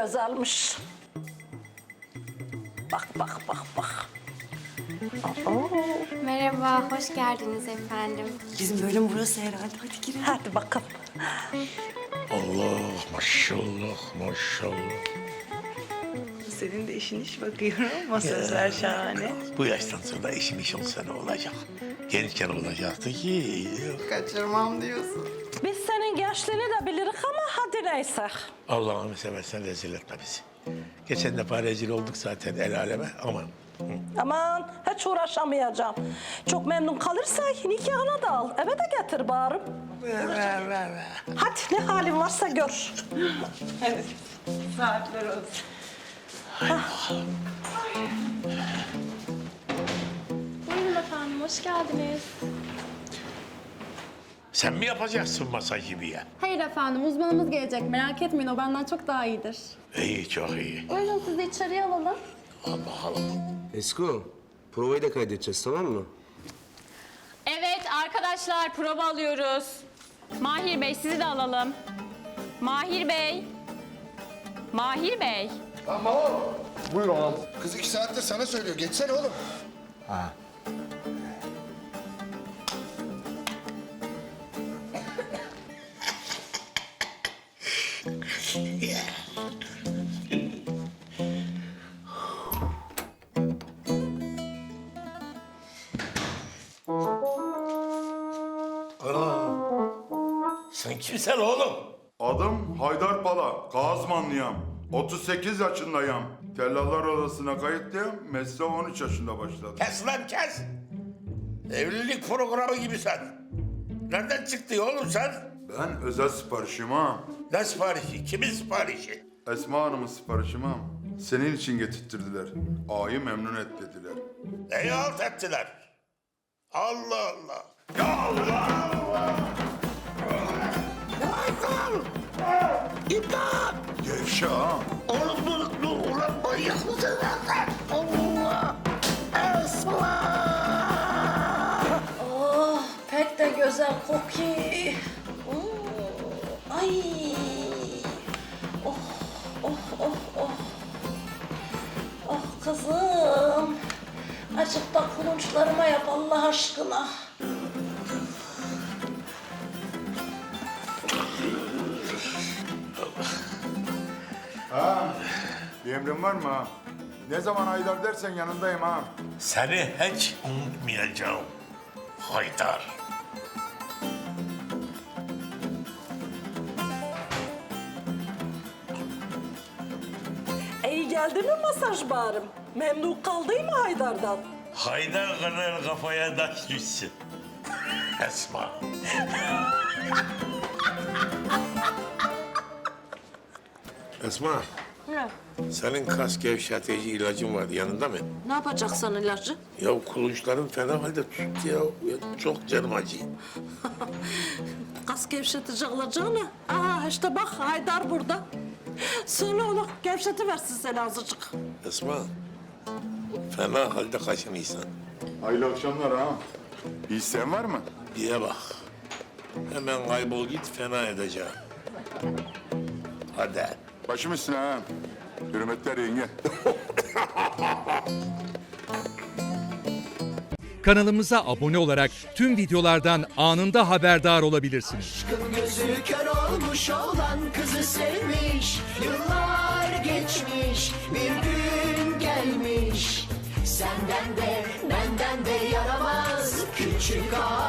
güzelmiş. Bak bak bak bak. Merhaba, hoş geldiniz efendim. Bizim bölüm burası herhalde. Hadi girelim. Hadi bakalım. Allah maşallah maşallah. Senin de işin iş bakıyorum. Masajlar şahane. Bu yaştan sonra işim iş olsa ne olacak? Gençken olacaktı ki. Kaçırmam diyorsun. Biz senin gençliğini de biliriz ama hadi neyse. Allah'ını seversen rezil etme bizi. Geçen defa rezil olduk zaten el aleme aman. Aman hiç uğraşamayacağım. Çok memnun kalırsa nikahına da al. Eve de getir bari. Ver. Hadi ne halin varsa gör. Evet. Saatler olsun. Buyurun efendim, hoş geldiniz. Sen mi yapacaksın masaj gibi ya? Hayır efendim, uzmanımız gelecek. Merak etmeyin, o benden çok daha iyidir. İyi çok iyi. Buyurun sizi içeriye alalım. Al bakalım. Esko, provayı da kaydedeceğiz tamam mı? Evet arkadaşlar prova alıyoruz. Mahir Bey sizi de alalım. Mahir Bey. Mahir Bey. Kız 2 saattir sana söylüyor. Geçsene oğlum. Sen kimsen oğlum? Adım Haydar Pala, Kazmanlıyam. 38 yaşındayım. Tellallar Odası'na kayıtlıyım. Mesleğe 13 yaşında başladım. Kes lan kes. Evlilik programı gibi sen. Nereden çıktı oğlum sen? Ben özel siparişim ha. Ne siparişi? Kimin siparişi? Esma Hanım'ın siparişim ha. Senin için getirttirdiler. Ağayı memnun et dediler. Neyi alt ettiler? Allah Allah. Ya Allah! İmdat! Gevşe ha. Oğlum dur ulan manyak mısın lan sen? Allah! Esma! Oh pek de güzel kokuyor. Ay. Oh oh oh oh. Oh kızım. Azıcık da kulunçlarıma yap Allah aşkına. Bir emrin var mı ha? Ne zaman Haydar dersen yanındayım ha. Seni hiç unutmayacağım. Haydar. İyi geldi mi masaj barım? Memnun kaldın mı Haydar'dan? Haydar kadar kafaya taş düşsün. Esma. Esma. Ne? Senin kas gevşetici ilacın vardı yanında mı? Ne yapacaksın ilacı? Ya kulunçların fena halde tuttu ya. Çok canım acıyor. Kas gevşetici alacağını. Aa işte bak Haydar burada. Söyle ona gevşetiversin seni azıcık. Esma. Fena halde kaşınıysan. Hayırlı akşamlar ha. Bir isteğin var mı? Diye bak. Hemen kaybol git fena edeceğim. Hadi. Başım üstüne ha. Hürmetler yenge. Kanalımıza abone olarak tüm videolardan anında haberdar olabilirsiniz. Gözü kör olmuş olan kızı sevmiş. Yıllar geçmiş, bir gün gelmiş. Senden de benden de yaramaz küçük ağa.